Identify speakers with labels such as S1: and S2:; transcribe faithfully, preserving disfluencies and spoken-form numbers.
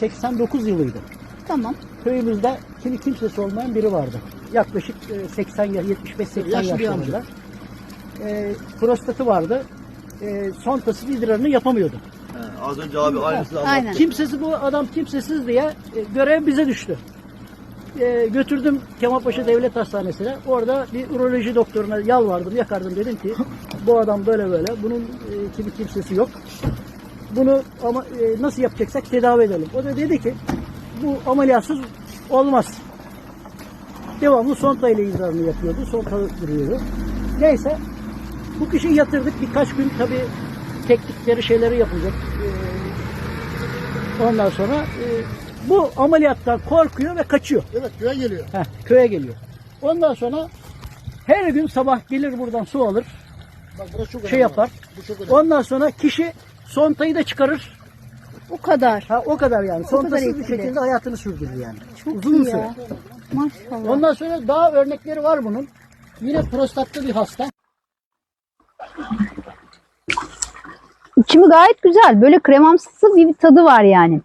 S1: seksen dokuz yılıydı.
S2: Tamam.
S1: Köyümüzde kimi kimsesi olmayan biri vardı. Yaklaşık e, seksen ya yetmiş beş seksen
S3: Yaşlı bir
S1: yaşlarında. E, prostatı vardı. E, Sontası idrarını yapamıyordu.
S3: He, az önce abi aynısını anlattı.
S2: Aynen.
S1: Kimsesiz bu adam kimsesiz diye e, görev bize düştü. E, götürdüm Kemalpaşa Devlet Hastanesi'ne. Orada bir uroloji doktoruna yalvardım, yakardım. Dedim ki bu adam böyle böyle. Bunun e, kimi kimsesi yok. Bunu ama e, nasıl yapacaksak tedavi edelim. O da dedi ki bu ameliyatsız olmaz. Devamlı sonta ile idrarını yapıyordu. Sonta duruyordu. Neyse bu kişiyi yatırdık. Birkaç gün tabii teknikleri şeyleri yapılacak. Ee, ondan sonra e, bu ameliyattan korkuyor ve kaçıyor.
S4: Evet, köye geliyor.
S1: Heh, köye geliyor. Ondan sonra her gün sabah gelir buradan su alır.
S4: Bak burası çok önemli.
S1: Şey yapar.
S4: Bu çok önemli.
S1: Ondan sonra kişi sontayı da çıkarır.
S2: O kadar.
S1: Ha, o kadar yani.
S2: kadar
S1: Sontasız bir
S2: etkili.
S1: şekilde hayatını sürdürür yani.
S2: Çok
S1: Uzun
S2: iyi
S1: süre.
S2: ya. Maşallah.
S1: Ondan sonra daha örnekleri var bunun. Yine prostatlı bir hasta.
S2: İçimi gayet güzel. Böyle kremamsı bir tadı var yani.